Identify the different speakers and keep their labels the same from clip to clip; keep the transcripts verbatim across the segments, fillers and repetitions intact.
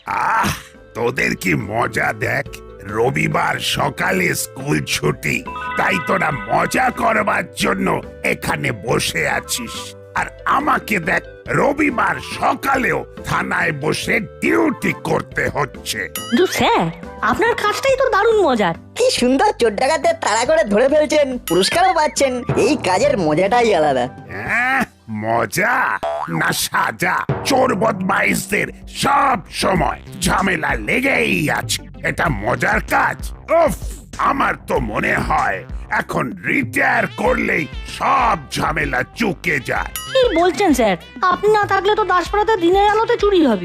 Speaker 1: আহ তোদের কি মজা দেখ, রবিবার সকালে স্কুল ছুটি, তাই তোরা মজা করবার জন্য এখানে বসে আছিস। আর আমাকে দেখ, রবিবার সকালেও থানায় বসে ডিউটি করতে হচ্ছে।
Speaker 2: কিন্তু স্যার, আপনার কাজটাই তো দারুণ মজার।
Speaker 3: কি সুন্দর চোর ডাকাতদের তাড়া করে ধরে ফেলছেন, পুরস্কারও পাচ্ছেন। এই কাজের মজাটাই আলাদা।
Speaker 1: হ্যাঁ, মজা না সাজা? চোর বদমাইশদের সব সময় ঝামেলা লেগেই আছে। এটা মজার কাজ? উফ, আমার তো মনে হয় এখন রিটায়ার করলেই সব ঝামেলা চুকে যায়।
Speaker 2: কি বলছেন স্যার? আপনি না থাকলে তো দাসপাড়াতে দিনের আলোতে চুরি হবে।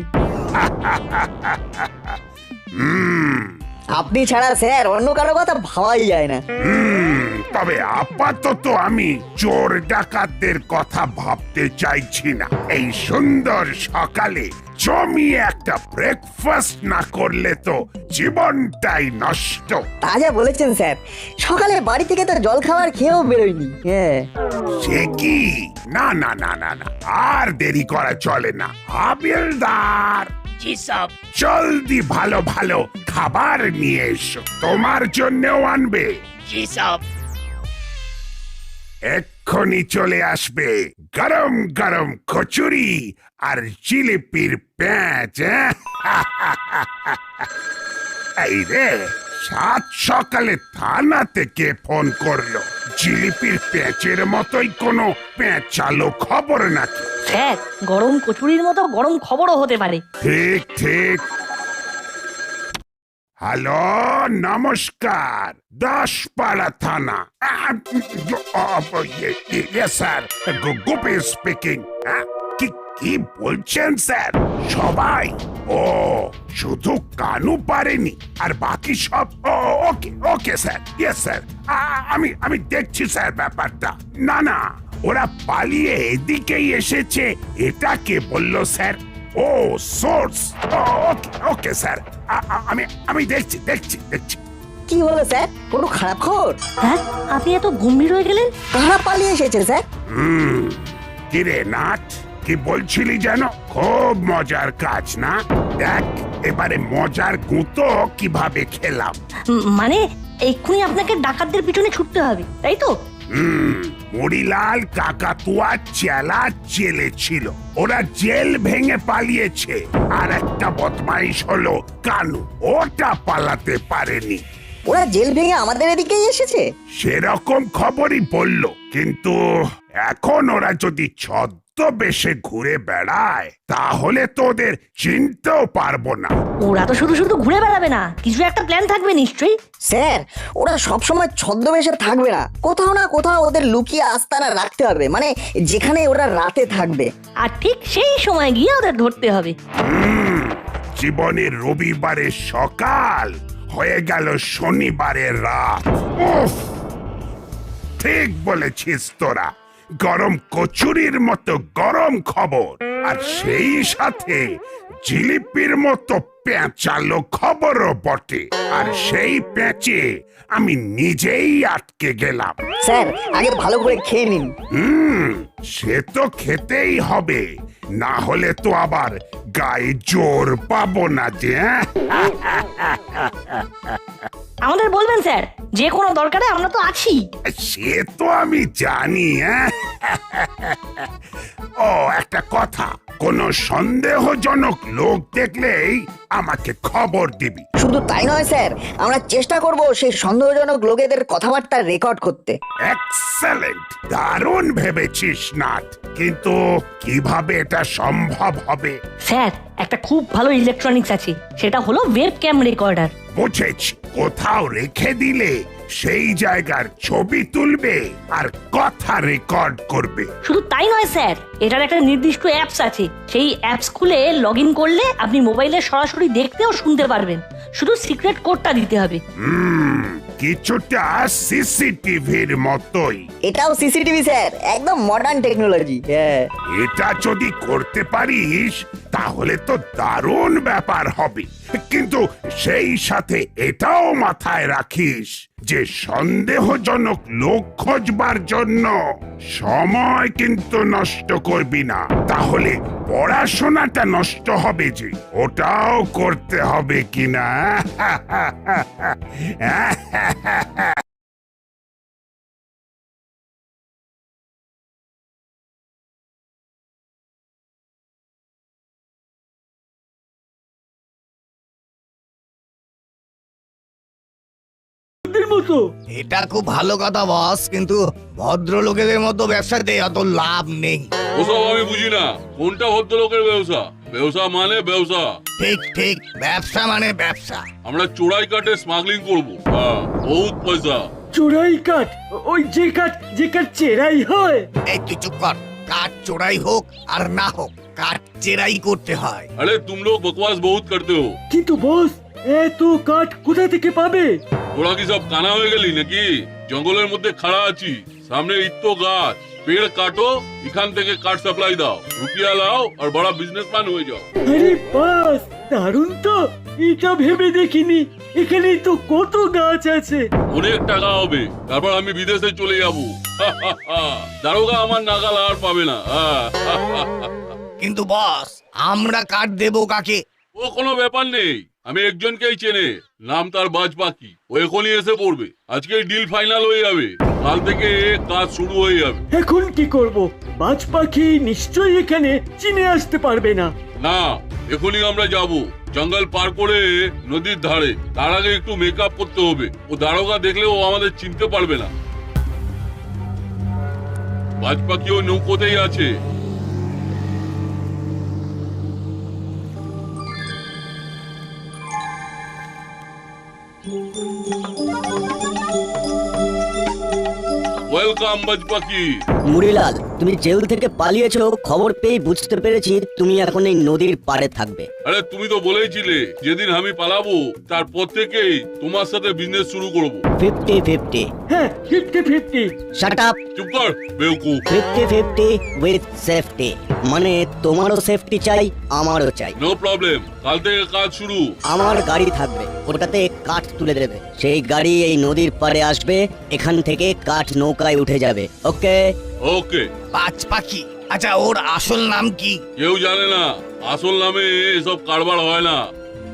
Speaker 1: হুম
Speaker 3: আপনি ছাড়া স্যার অন্য কারো কথা ভাবাই যায় না।
Speaker 1: হুম তবে আপাতত আমি চোর ডাকাতদের কথা ভাবতে চাইছি না। এই সুন্দর সকালে জমিয়ে একটা ব্রেকফাস্ট না করলে তো জীবনটাই নষ্ট।
Speaker 3: তা যা বলেছেন স্যার, সকালে বাড়ি থেকে তো জল খাবার খেয়েও বেরোয়নি। হ্যাঁ,
Speaker 1: সে কি? না না না না না, আর দেরি করা চলে না। হাবিলদার, জলদি ভালো ভালো খাবার নিয়ে এসো, তোমার জন্যও আনবে। এক্ষুনি চলে আসবে গরম গরম কচুরি আর জিলিপির প্যাঁচ। এই রে, সাত সকালে থানা থেকে ফোন করলো। জিলিপির প্যাঁচের মতোই কোনো প্যাঁচালো খবর নাকি?
Speaker 2: স্যার, গরম কচুরির মতো গরম খবরও হতে পারে।
Speaker 1: ঠিক ঠিক। হ্যালো, নমস্কার, দাসপাড়া থানা। Sir, Gopi speaking. কি কি বলছেন স্যার? সবাই? ও, শুধু কানু পারেনি, আর বাকি সব? Okay okay sir, yes sir, আমি আমি দেখছি স্যার ব্যাপারটা। না না, ওরা পালিয়ে এদিকেই এসেছে, এটা কে বললো স্যার? ও, সোর্স। ওকে ওকে স্যার, আমি আমি দেখছি দেখছি দেখছি।
Speaker 3: কি হলো স্যার? কোনো খারাপ খবর?
Speaker 2: স্যার, আপনি এত গম্ভীর হয়ে গেলেন।
Speaker 3: কারা পালিয়ে এসেছে স্যার?
Speaker 1: হুম কিরে নাট, কি বলছিলি যেন? খুব মজার কাজ না? দেখ এবারে মজার গুঁতো কিভাবে খেলাম।
Speaker 2: উম, মানে এক্ষুনি আপনাকে ডাকাতদের পিছনে ছুটতে হবে, তাই তো?
Speaker 1: হুম মরিলাল কাকাতুয়া চেলা জেলে ছিল, ওরা জেল ভেঙে পালিয়েছে। আর একটা বদমাইশ হলো কানু, ওটা পালাতে পারেনি।
Speaker 3: ওরা জেল ভেঙে আমাদের এদিকেই এসেছে?
Speaker 1: সেরকম খবরই বললো, কিন্তু এখন ওরা যদি ছদ্মবেশে ঘুরে বেড়ায় তাহলে তো ওদের চিনতেও পারবো না।
Speaker 2: ওরা তো শুধু শুধু ঘুরে বেড়াবে না, কিছু একটা প্ল্যান থাকবে নিশ্চয়ই।
Speaker 3: স্যার, ওরা সবসময় ছদ্মবেশে থাকবে না, কোথাও না কোথাও ওদের লুকিয়ে আস্তানা রাখতে হবে, মানে যেখানে ওরা রাতে থাকবে।
Speaker 2: আর ঠিক সেই সময় গিয়ে ওদের ধরতে হবে।
Speaker 1: হুম জীবনের রবিবারের সকাল হয়ে গেল শনিবারের রাত। উফ, ঠিক বলেছিস তোরা, গরম কচুরির মতো গরম খবর, আর সেই সাথে জিলিপির মতো পেঁচালো খবরও বটে। আর সেই পেঁচে আমি নিজেই আটকে গেলাম।
Speaker 3: স্যার, আগে ভালো করে খেয়ে নিন।
Speaker 1: হুম সে তো খেতেই হবে, না হলে তো আবার গায়ে জোর পাবো না যে।
Speaker 2: আমাদের বলবেন স্যার, যে কোনো দরকারে আমরা তো আছি।
Speaker 1: সে তো আমি জানি। হ্যাঁ, ও একটা কথা, কোন সন্দেহজনক লোক দেখলেই আমাকে খবর দিবি।
Speaker 3: শুধু তাই নয় স্যার, আমরা চেষ্টা করব সেই সন্দেহজনক লোকেদের কথাবার্তা রেকর্ড করতে।
Speaker 1: এক্সেলেন্ট, দারুণ ভেবেছিস নাট, কিন্তু কিভাবে এটা সম্ভব হবে?
Speaker 2: স্যার, একটা খুব ভালো ইলেকট্রনিক্স আছে, সেটা হলো ওয়েব ক্যাম রেকর্ডার।
Speaker 1: বুঝেছি, কোথাও রেখে দিলে সেই জায়গার ছবি তুলবে আর কথা রেকর্ড করবে।
Speaker 2: শুধু তাই নয় স্যার, এটার একটা নির্দিষ্ট অ্যাপস আছে, সেই অ্যাপস খুলে লগ ইন করলে আপনি মোবাইলে সরাসরি দেখতে ও শুনতে পারবেন, শুধু সিক্রেট কোডটা দিতে হবে।
Speaker 1: হুম কিছুটা সিসিটিভির মতোই।
Speaker 3: এটাও সিসিটিভি স্যার, একদম মডার্ন টেকনোলজি। হ্যাঁ,
Speaker 1: এটা যদি করতে পারিস তাহলে তো দারুণ ব্যাপার হবে। কিন্তু সেই সাথে এটাও মাথায় রাখিস যে সন্দেহজনক লোক খোঁজবার জন্য সময় কিন্তু নষ্ট করবি না, তাহলে পড়াশোনাটা নষ্ট হবে যে, ওটাও করতে হবে কিনা।
Speaker 2: মতো
Speaker 4: এটা খুব ভালো কথা বস, কিন্তু ভদ্রলোকেদের মতো ব্যবসাতে অত লাভ নেই।
Speaker 5: ওসব আমি বুঝি না, কোনটা ভদ্রলোকের ব্যবসা? ব্যবসা মানে ব্যবসা।
Speaker 4: ঠিক ঠিক, ব্যবসা মানে ব্যবসা।
Speaker 5: আমরা চোরাই কাটে স্মাগলিং করবো, হ্যাঁ, বহুত পয়সা।
Speaker 6: চোরাই কাঠ? ওই যে কাঠ যে কাঠ চেরাই হয়?
Speaker 4: এই তুই চুপ কর। কাঠ চোরাই হোক আর না হোক, কাঠ চেরাই করতে হয়।
Speaker 5: আরে তুম লোগ বকওয়াস বহুত করতে হো।
Speaker 6: কিন্তু বস, এত কাঠ কোথা থেকে পাবে?
Speaker 5: তোরা কি সব কানা হয়ে গেলি নাকি? জঙ্গলের মধ্যে খাড়া আছি, সামনে ইত্তো গাছ, পেড় কাটো, এখান থেকে কাঠ সাপ্লাই দাও, রুপিয়া লাও আর বড় বিজনেসম্যান হয়ে যাও।
Speaker 6: আরে বাস, দারুণ তো! এটা ভেবে দেখিনি। এখানেই তো কত গাছ আছে।
Speaker 5: অনেক টাকা হবে, তারপর আমি বিদেশে চলে যাব। দারোগা আমার নাগাল আর পাবে না।
Speaker 4: কিন্তু বস, আমরা কাঠ দেবো কাকে?
Speaker 5: ও কোনো ব্যাপার নেই, আমি একজনকেই চেনে, নাম তার বাজ পাখি। ও এখনই এসে পড়বে, আজকে ডিল ফাইনাল হয়ে যাবে, কাল থেকে কাজ শুরু হয়ে যাবে।
Speaker 6: এখন কি করব? বাজ পাখি নিশ্চয়ই এখানে চিনে আসতে পারবে না।
Speaker 5: না, এখনই আমরা যাব জঙ্গল পার করে নদীর ধারে। তার আগে একটু মেকআপ করতে হবে, ও দারোগা দেখলে ও আমাদের চিনতে পারবে না। বাজ পাখি ও নৌকোতেই আছে। ওয়েলকাম বাজ পাখি।
Speaker 7: মুড়িলাল, তুমি জেল থেকে পালিয়েছো খবর পেয়ে বুঝতে পেরেছি তুমি এখন এই নদীর পাড়ে থাকবে।
Speaker 5: আরে তুমি তো বলেইছিলে যেদিন আমি পালাবো তারপর থেকেই তোমার সাথে বিজনেস শুরু করব।
Speaker 7: Fifty fifty.
Speaker 6: হ্যাঁ, ফিফটি ফিফটি।
Speaker 7: Shut up.
Speaker 5: চুপ কর বেউকুফ।
Speaker 7: ফিফটি ফিফটি উইথ সেফটি, মানে তোমারও সেফটি চাই আমারও চাই।
Speaker 5: নো প্রবলেম, কাল থেকে কাজ শুরু।
Speaker 7: আমার গাড়ি থাকবে, ওটাতে কাঠ তুলে দেবে। সেই গাড়ি এই নদীর পাড়ে আসবে, এখান থেকে কাঠ নৌকায় উঠে যাবে। ওকে?
Speaker 5: ওকে।
Speaker 4: বাজ পাখি? আচ্ছা, ওর আসল নাম কি?
Speaker 5: কেউ জানে না, আসল নামে এসব কারবার হয় না।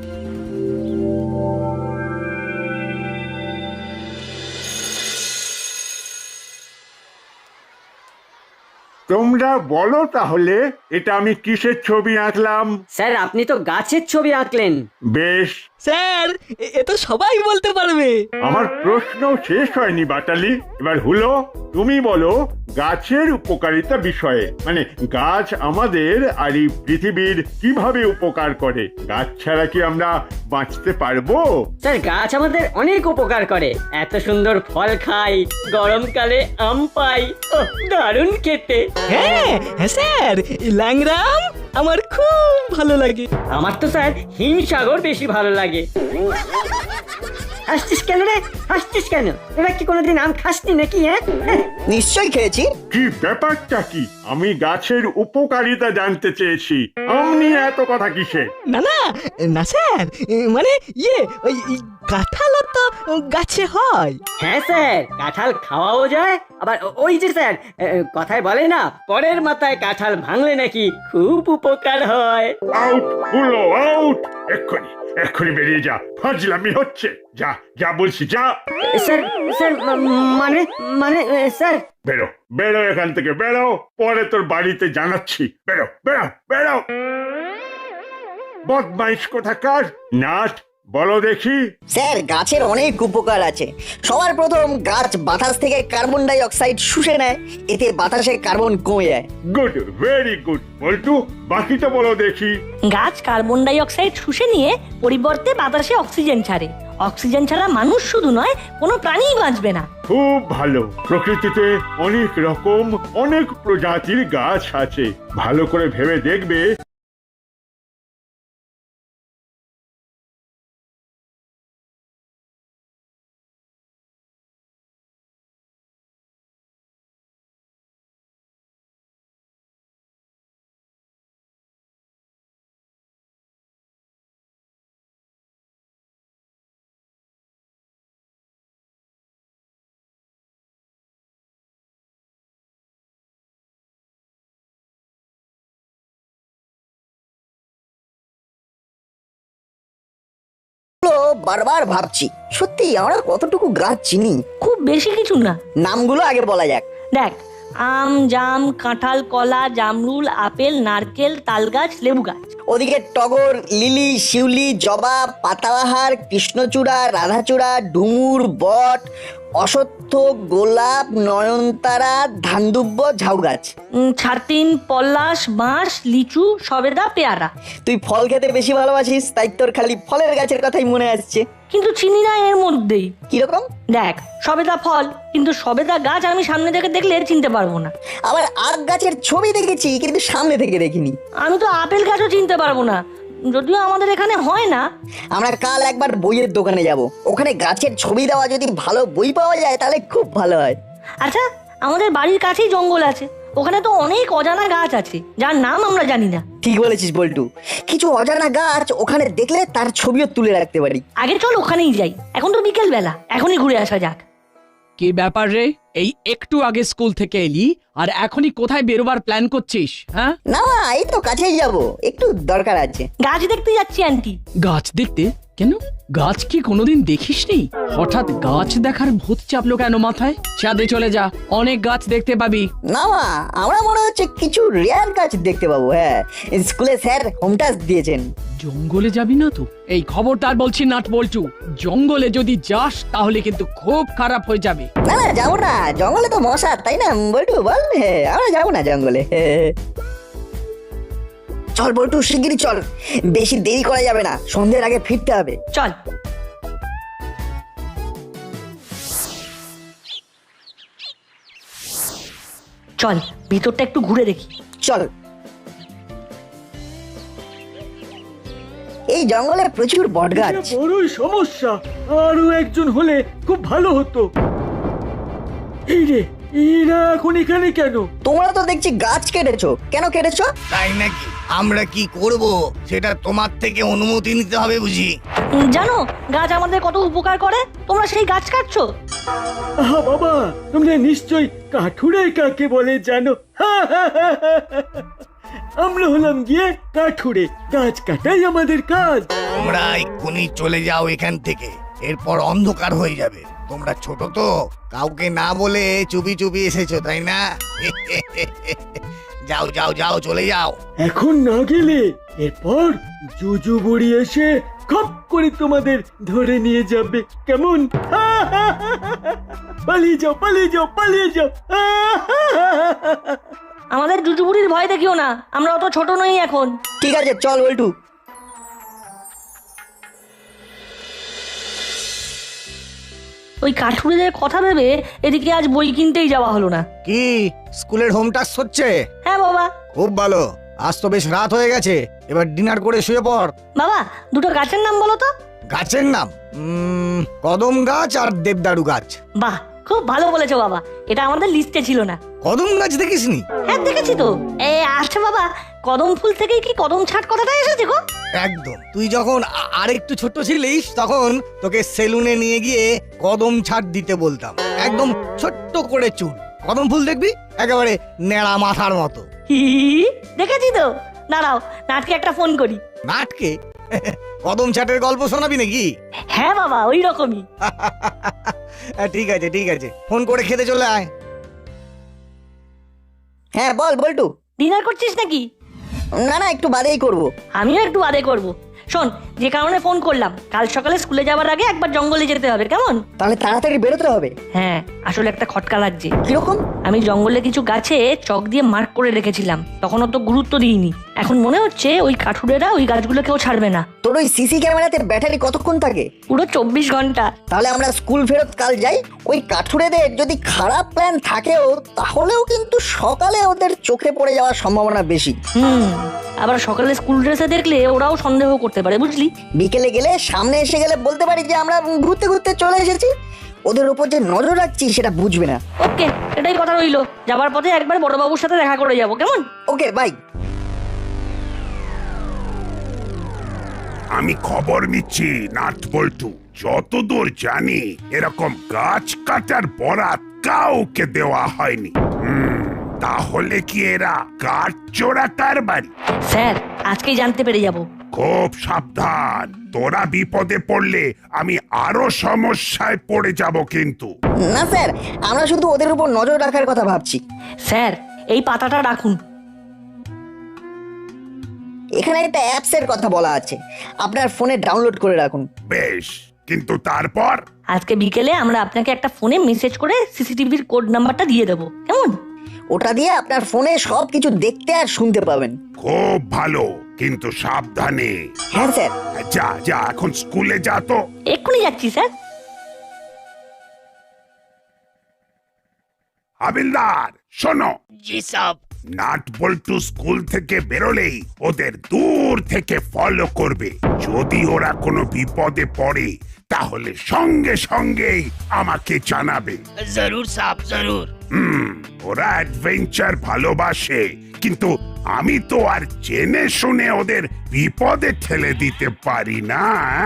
Speaker 8: তোমরা বলো তাহলে এটা আমি কিসের ছবি আঁকলাম?
Speaker 9: স্যার, আপনি তো গাছের ছবি আঁকলেন।
Speaker 8: বেশ,
Speaker 10: স্যার, এ- এ তো সবাই বলতে পারবে।
Speaker 8: আমার প্রশ্ন শেষ হয়নি বাটালি। এবার হলো, তুমি বলো গাছের উপকারিতা বিষয়ে, মানে গাছ আমাদের আর এই পৃথিবীর কিভাবে উপকার করে। গাছ ছাড়া কি আমরা বাঁচতে পারবো?
Speaker 9: স্যার, গাছ আমাদের অনেক উপকার করে। এত সুন্দর ফল খাই, গরমকালে আম পাই, ওহ, দারুণ খেতে।
Speaker 10: হ্যাঁ হ্যাঁ স্যার, এই ল্যাংরাম আমার খুব ভালো লাগে।
Speaker 9: আমার তো স্যার হিমসাগর বেশি ভালো লাগে। হাসছিস কেন রে? হাসছিস কেন? তোরা কি কোনোদিন আম খাসনি নাকি? হ্যাঁ,
Speaker 3: নিশ্চয়ই খেয়েছি।
Speaker 8: কি ব্যাপারটা কি? আমি গাছের উপকারিতা জানতে চেয়েছি, আমনি এত কথা কিসে?
Speaker 10: না না না স্যার, এ, মানে ইয়ে ওই ই, কাঁঠালও তো গাছে হয়।
Speaker 9: হ্যাঁ স্যার, কাঁঠাল খাওয়াও যায়। আবার ও- ওই যে স্যার, এ, কথায় বলে না, পরের মাথায় কাঁঠাল ভাঙলে নাকি খুব উপকার হয়।
Speaker 8: আউট হলো, আউট! এক্ষুনি এক্ষুনি বেরিয়ে যা, ফাজলামি হচ্ছে। যা যা বলছি, যা।
Speaker 9: স্যার, স্যার, মা- মানে মানে এ, স্যার,
Speaker 8: বেরো বেরো এখান থেকে, বেরো, পরে তোর বাড়িতে জানাচ্ছি। বেরো বেরো বেরো, বদমাইশ কোথাকার! নাট, বলো দেখি।
Speaker 3: স্যার, গাছের অনেক উপকার আছে। সবার প্রথম, গাছ বাতাস থেকে কার্বন ডাই অক্সাইড শুষে নেয়, এতে বাতাসে কার্বন কমে যায়।
Speaker 8: Good, very good. বল্টু, বাকিটা বলো দেখি।
Speaker 2: গাছ কার্বন ডাই অক্সাইড শুষে নিয়ে পরিবর্তে বাতাসে অক্সিজেন ছাড়ে। অক্সিজেন ছাড়া মানুষ শুধু নয়, কোনো প্রাণীই বাঁচবে না।
Speaker 8: খুব ভালো। প্রকৃতিতে অনেক রকম, অনেক প্রজাতির গাছ আছে, ভালো করে ভেবে দেখবে।
Speaker 3: নামগুলো বারবার ভাবছি, সত্যি আমরা কতটুকু গাছ চিনি।
Speaker 2: খুব বেশি কিছু না।
Speaker 3: নামগুলো আগে বলা যাক।
Speaker 2: দেখ, আম, জাম, কাঁঠাল, কলা, জামরুল, আপেল, নারকেল, তালগাছ, লেবু গাছ।
Speaker 3: ওদিকে টগর, লিলি, শিউলি, জবা, পাতাবাহার, কৃষ্ণচূড়া, রাধাচূড়া, ডুমুর, বট, অশ্বত্থ, গোলাপ, নয়নতারা, ধানদুব্য, ঝাউ গাছ।
Speaker 2: উম, ছাতিন, পলাশ, বাঁশ, লিচু, সবেদা, পেয়ারা।
Speaker 3: তুই ফল খেতে বেশি ভালোবাসিস, তাই তোর খালি ফলের গাছের কথাই মনে আসছে।
Speaker 2: কিন্তু চিনি না এর মধ্যেই।
Speaker 3: কিরকম?
Speaker 2: দেখ, সবেদা ফল, কিন্তু সবেদা গাছ আমি সামনে থেকে দেখলে চিনতে পারবো না।
Speaker 3: আবার আখ গাছের ছবি দেখেছি, কিন্তু সামনে থেকে দেখিনি।
Speaker 2: আমি তো আপেল গাছও চিনতে পারবো না, যদিও আমাদের এখানে হয় না।
Speaker 3: আমরা কাল একবার বইয়ের দোকানে যাব, ওখানে গাছের ছবি দেওয়া যদি ভালো বই পাওয়া যায় তাহলে খুব ভালো হয়।
Speaker 2: আচ্ছা, আমাদের বাড়ির কাছেই জঙ্গল আছে, ওখানে তো অনেক অজানা গাছ আছে যার নাম আমরা জানি না।
Speaker 3: ঠিক বলেছিস বল্টু, কিছু অজানা গাছ ওখানে দেখলে তার ছবিও তুলে রাখতে পারি।
Speaker 2: আগে চল ওখানেই যাই, এখন তো বিকেল বেলা, এখনই ঘুরে আসা যাক।
Speaker 11: কি ব্যাপার রে, এই একটু আগে স্কুল থেকে এলি আর এখনই কোথায় বেরোবার প্ল্যান করছিস? হ্যাঁ
Speaker 3: না, এই তো কাছেই যাব, একটু দরকার আছে।
Speaker 2: গাছ দেখতে যাচ্ছি আন্টি।
Speaker 11: গাছ দেখতে? কেন, গাছ কি কোনোদিন দেখিসনি? হঠাৎ গাছ দেখার ভূত চাপলো কেন মাথায়? চাঁদে চলে যা, অনেক গাছ দেখতে পাবি।
Speaker 3: না মা, আমরা মনে হচ্ছে কিছু রেয়ার গাছ দেখতে পাবো। হ্যাঁ, স্কুলে স্যার হোম টাস্ক দিয়েছেন।
Speaker 11: জঙ্গলে যাবি না তো? এই খবরদার বলছি নাট বলছু, জঙ্গলে যদি যাস তাহলে কিন্তু খুব খারাপ হয়ে যাবে।
Speaker 3: না না, যাবো না, জঙ্গলে তো মশা, তাই না বল্টু বল? হ্যাঁ, আমরা যাবো না জঙ্গলে। চল বল্টু, শিগগিরই চল, বেশি দেরি করা যাবে না, সন্ধ্যের আগে ফিরতে হবে।
Speaker 2: চল। চল, ভিতরটা একটু ঘুরে দেখি।
Speaker 3: চল। এই জঙ্গলে প্রচুর বট গাছ।
Speaker 6: এটা বড়ই সমস্যা, আরো একজন হলে খুব ভালো হতো। এই রে, এরা এখন এখানে কেন?
Speaker 3: তোমরা তো দেখছি গাছ কেটেছো, কেন কেটেছো?
Speaker 4: তাই নাকি? আমরা কি করব সেটা তোমার থেকে অনুমতি নিতে হবে বুঝি।
Speaker 2: উম, জানো গাছ আমাদের কত উপকার করে, তোমরা সেই গাছ কাটছো।
Speaker 6: আহা বাবা, তোমরা নিশ্চয়ই কাঠুরে কাকে বলে জানো? আমরা হলাম গিয়ে কাঠুরে, গাছ কাটাই আমাদের কাজ।
Speaker 4: তোমরা এক্ষুনি চলে যাও এখান থেকে, এরপর অন্ধকার হয়ে যাবে। তোমরা ছোট তো, কাউকে না বলে চুপি চুপি এসেছো তাই না? যাও যাও যাও, চলে যাও।
Speaker 6: এখন না গেলে এরপর জুজু বুড়ি এসে খপ করে তোমাদের ধরে নিয়ে যাবে, কেমন? পালিয়ে যাও, পালিয়ে যাও, পালিয়ে যাও।
Speaker 2: আমাদের জুজুবুড়ির ভয় দেখিও না, আমরা অত ছোট নই এখন।
Speaker 3: ঠিক আছে, চল বল্টু।
Speaker 2: ওই কাঠুরেদের কথা ভেবে এদিকে আজ বই কিনতেই যাওয়া হলো না।
Speaker 4: কি স্কুলের হোম টাস্ক হচ্ছে?
Speaker 2: হ্যাঁ বাবা।
Speaker 4: খুব ভালো, আজ তো বেশ রাত হয়ে গেছে, এবার ডিনার করে শুয়ে পড়।
Speaker 2: বাবা, দুটো গাছের নাম বলো তো।
Speaker 4: গাছের নাম? উম, কদম গাছ আর দেবদারু গাছ।
Speaker 2: বাহ, খুব ভালো বলেছো বাবা, এটা আমাদের লিস্টে ছিল না।
Speaker 4: কদম গাছ দেখিসনি?
Speaker 2: হ্যাঁ দেখেছি তো। এ আচ্ছা বাবা, কদম ফুল থেকেই কি কদম ছাট কথাটা এসেছে গো?
Speaker 4: একদম, তুই যখন আ- আরেকটু ছোট ছিলিস তখন তোকে সেলুনে নিয়ে গিয়ে কদম ছাট দিতে বলতাম, একদম ছোট্ট করে চুল, কদম ফুল দেখবি একেবারে নেড়া মাথার মতো।
Speaker 2: হি, দেখেছি তো। দাঁড়াও, নাটকে একটা ফোন করি।
Speaker 4: নাটকে? কদম ছাটের গল্প শোনাবি নাকি?
Speaker 2: হ্যাঁ বাবা, ওই রকমই।
Speaker 4: ঠিক আছে ঠিক আছে, ফোন করে খেতে চলে আয়।
Speaker 3: হ্যাঁ বল বল্টু।
Speaker 2: ডিনার করছিস নাকি?
Speaker 3: না না, একটু বাদেই করব।
Speaker 2: আমিও একটু বাদে করব। শোন, যে কারণে ফোন করলাম, কাল সকালে স্কুলে যাওয়ার আগে একবার জঙ্গলে যেতে হবে, কেমন?
Speaker 3: তাহলে তাড়াতাড়ি বেরোতে হবে।
Speaker 2: হ্যাঁ, আসলে একটা খটকা লাগছে।
Speaker 3: কিরকম?
Speaker 2: আমি জঙ্গলে কিছু গাছে চক দিয়ে মার্ক করে রেখেছিলাম, তখন অত গুরুত্ব দিইনি। এখন মনে হচ্ছে ওই কাঠুরেরা ওই গাছগুলো কেউ ছাড়বে না।
Speaker 3: তোর ওই সিসি ক্যামেরাতে ব্যাটারি কতক্ষণ থাকে?
Speaker 2: পুরো চব্বিশ ঘন্টা।
Speaker 3: তাহলে আমরা স্কুল ফেরত কাল যাই, ওই কাঠুরেদের যদি খারাপ প্ল্যান থাকেও তাহলেও কিন্তু সকালে ওদের চোখে পড়ে যাওয়ার সম্ভাবনা বেশি।
Speaker 2: হুম, আবার সকালে স্কুল ড্রেসে দেখলে ওরাও সন্দেহ করতে পারে, বুঝলি?
Speaker 3: বিকেলে গেলে সামনে এসে গেলে বলতে পারি যে আমরা ঘুরতে ঘুরতে চলে এসেছি, ওদের উপর যে নজর রাখছি সেটা বুঝবে না।
Speaker 2: ওকে, এটাই কথা রইলো। যাবার পথে একবার বড়বাবুর সাথে দেখা করে যাবো, কেমন?
Speaker 3: Okay bye.
Speaker 1: আমি খবর নিচ্ছি নাট বল্টু, যতদূর জানি এরকম গাছ কাটার বরাত কাউকে দেওয়া হয়নি। হুম, তাহলে কি এরা কাঠ চোরা কারবারি?
Speaker 2: স্যার, আজকেই জানতে পেরে যাবো।
Speaker 1: খুব সাবধান, তোরা বিপদে পড়লে আমি আরো সমস্যায় পড়ে যাব কিন্তু।
Speaker 3: না স্যার, আমরা শুধু ওদের উপর নজর রাখার কথা ভাবছি।
Speaker 2: স্যার এই পাতাটা রাখুন।
Speaker 3: এখানে একটা অ্যাপস এর কথা বলা আছে, আপনার ফোনে ডাউনলোড করে রাখুন।
Speaker 1: বেশ, কিন্তু তারপর?
Speaker 2: আজকে বিকেলে আমরা আপনাকে একটা ফোনে মেসেজ করে সিসিটিভির কোড নাম্বারটা দিয়ে দেবো, কেমন?
Speaker 3: ওটা দিয়ে আপনার ফোনে সব কিছু দেখতে আর শুনতে পাবেন।
Speaker 1: খুব ভালো, কিন্তু সাবধানে।
Speaker 3: হ্যাঁ স্যার।
Speaker 1: যা যা, এখন স্কুলে যা তো।
Speaker 2: এক্ষুনি যাচ্ছি স্যার।
Speaker 1: হাবিলদার শোনো।
Speaker 7: জি সাব।
Speaker 1: নাট বল্টু স্কুল থেকে বেরোলেই ওদের দূর থেকে ফলো করবে। যদি ওরা কোনো বিপদে পড়ে তাহলে সঙ্গে সঙ্গেই আমাকে জানাবে।
Speaker 7: জরুর সাব, জরুর।
Speaker 1: হুম, ওরা অ্যাডভেঞ্চার ভালোবাসে, কিন্তু আমি তো আর জেনে শুনে ওদের বিপদে ঠেলে দিতে পারি না।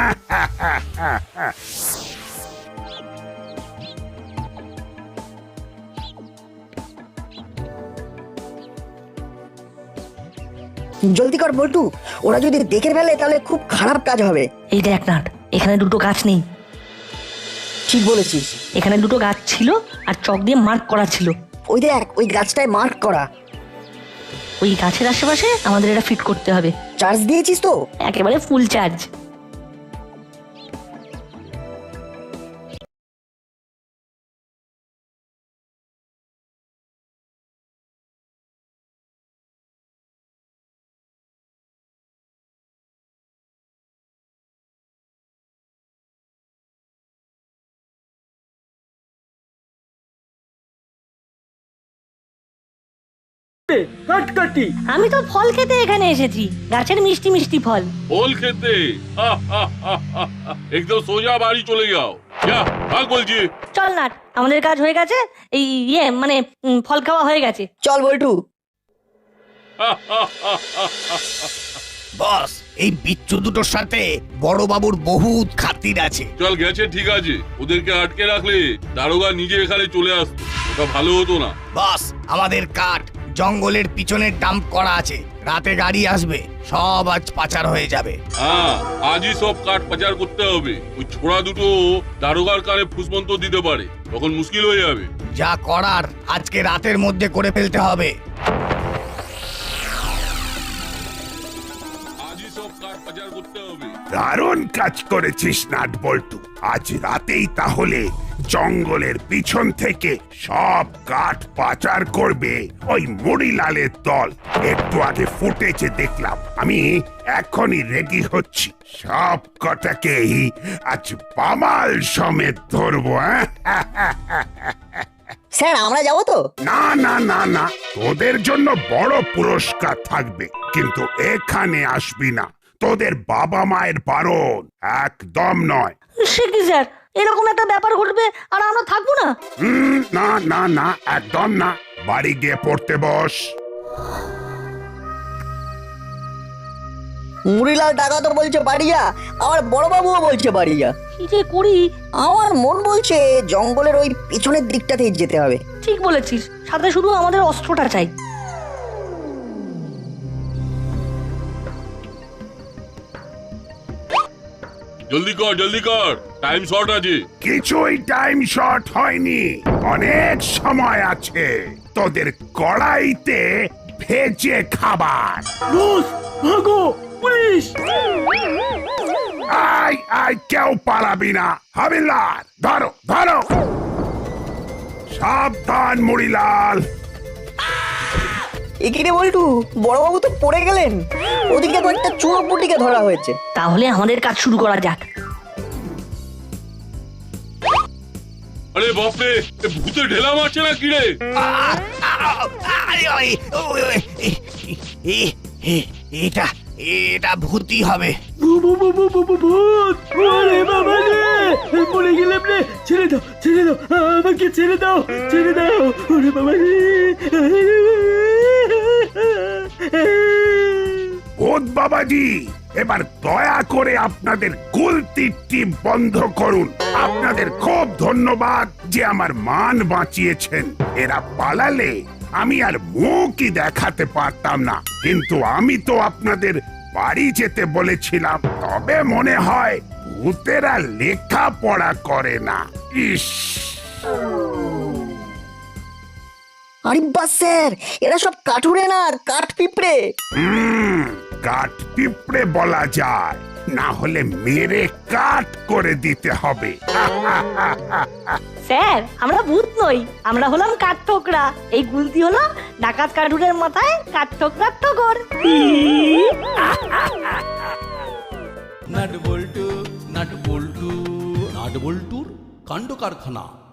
Speaker 3: জলদি কর বল্টু, ওরা যদি দেখে ফেলে তাহলে খুব খারাপ কাজ হবে।
Speaker 2: এই দেখ নাট, এখানে দুটো গাছ নেই।
Speaker 3: ঠিক বলেছিস।
Speaker 2: এখানে দুটো গাছ ছিল আর চক দিয়ে মার্ক করা ছিল।
Speaker 3: ওই দেখ, ওই গাছটায় মার্ক করা।
Speaker 2: ওই গাছের আশেপাশে আমাদের এটা ফিট করতে হবে।
Speaker 3: চার্জ দিয়েছিস তো?
Speaker 2: একেবারে ফুল চার্জ।
Speaker 6: কাটকাটি।
Speaker 2: আমি তো ফল খেতে এখানে এসেছি, গাছের মিষ্টি মিষ্টি ফল।
Speaker 5: ফল খেতে? হা, হা, হা, হা, হা। একদম সোজা বাড়ি চলে যাও। যা, ভাগ বলছি।
Speaker 2: চল নাট, আমাদের কাজ হয়ে গেছে। এই ইয়ে মানে উম, ফল খাওয়া হয়ে গেছে।
Speaker 3: চল বল্টু।
Speaker 5: হা, হা, হা, হা, হা।
Speaker 4: বস, এই বিচ্ছু দুটোর সাথে বড় বাবুর বহুত খাতির আছে।
Speaker 5: চল গেছে ঠিক আছে, ওদেরকে আটকে রাখলে দারোগা নিজে এখানে চলে আসতো, ওটা ভালো হতো না।
Speaker 4: বস, আমাদের কাঠ জঙ্গলের পিছনে ডাম্প করা আছে, রাতে গাড়ি আসবে, সব আজ পাচার হয়ে যাবে।
Speaker 5: হ্যাঁ, আজই সব কাঠ পাচার করতে হবে। ওই ছোড়া দুটো দারোগার কানে ফুসমন্ত দিতে পারে, তখন মুশকিল হয়ে যাবে।
Speaker 4: যা করার আজকে রাতের মধ্যে করে ফেলতে হবে।
Speaker 5: আজই সব কাঠ পাচার করতে হবে।
Speaker 1: দারুণ কাজ করেছিস নাট বল্টু। আজ রাতেই তাহলে জঙ্গলের পিছন থেকে সব কাঠ পাচার করবে ওই মুড়িলালের দল। একটু আগে ফুটেছে দেখলাম, আমি এখনই রেডি হচ্ছি। সব কটাকেই আজ পামাল সমেত ধরবো। হ্যাঁ,
Speaker 3: স্যার আমরা যাবো তো?
Speaker 1: না না না না, তোদের জন্য বড় পুরস্কার থাকবে, কিন্তু এখানে আসবি না। তোদের বাবা মায়ের বারণ, একদম নয়।
Speaker 2: সে কি স্যার, এরকম একটা ব্যাপার ঘটবে আর আমরা থাকবো না?
Speaker 1: হুম, না না না, একদম না। বাড়ি গিয়ে পড়তে বস।
Speaker 3: মুড়িলাল টাকা তো বলছে বাড়ি যা, আমার বড় বাবুও বলছে বাড়ি যা।
Speaker 2: কি যে করি?
Speaker 3: আমার মন বলছে জঙ্গলের ওই পিছনের দিকটাতেই যেতে হবে।
Speaker 2: ঠিক বলেছিস, সাথে শুধু আমাদের অস্ত্রটা চাই।
Speaker 5: জলদি কর, জলদি কর, টাইম শর্ট আছে।
Speaker 1: কিছুই টাইম শর্ট হয়নি, অনেক সময় আছে। তোদের কড়াইতে ভেজে খাবার।
Speaker 6: বস ভাগো, পুলিশ!
Speaker 1: আয় আয়, কেউ পালাবি না। হাবিলদার ধরো ধরো। সাবধান মুড়িলাল।
Speaker 3: এখানে বল্টু, বড় বাবু তো পড়ে গেলেন। ওদিকে কয়েকটা চুনোপুটিকে ধরা হয়েছে।
Speaker 2: তাহলে আমাদের কাজ শুরু করা যাক।
Speaker 5: আরে বাপরে, এ ভূতে ঢেলা মারছে না কি রে?
Speaker 4: এটা এটা ভূতি হবে।
Speaker 6: ভূ- ভূ- ভূ- ভূ- ভূ- ভূ- ভূত! ওরে বাবা রে! পড়ে গেলাম রে! ছেড়ে দাও, ছেড়ে দাও, আমাকে ছেড়ে দাও, ছেড়ে দাও! ওরে বাবা রে!
Speaker 1: ভূত বাবাজি, এবার দয়া করে আপনাদের গুলতির টিপ বন্ধ করুন। আপনাদের খুব ধন্যবাদ যে আমার মান বাঁচিয়েছেন। এরা পালালে আমি আর মুখই দেখাতে পারতাম না, কিন্তু আমি তো আপনাদের বাড়ি যেতে বলেছিলাম, তবে মনে হয় ভূতেরা লেখাপড়া করে না। ইস,
Speaker 3: আরে বাস স্যার, এরা সব কাঠুরে না, কাঠ পিঁপড়ে।
Speaker 1: হুম, কাঠ পিঁপড়ে বলা যায়, না হলে মেরে কাঠ করে দিতে হবে।
Speaker 2: স্যার আমরা ভূত নই, আমরা হলাম কাঠঠোকরা। এই গুলতি হলো ডাকাত কাঠুরের মাথায় কাঠঠোকরার ঠোকর।
Speaker 12: নাট বল্টু নাট বল্টু নাট বল্টুর কাণ্ড কারখানা।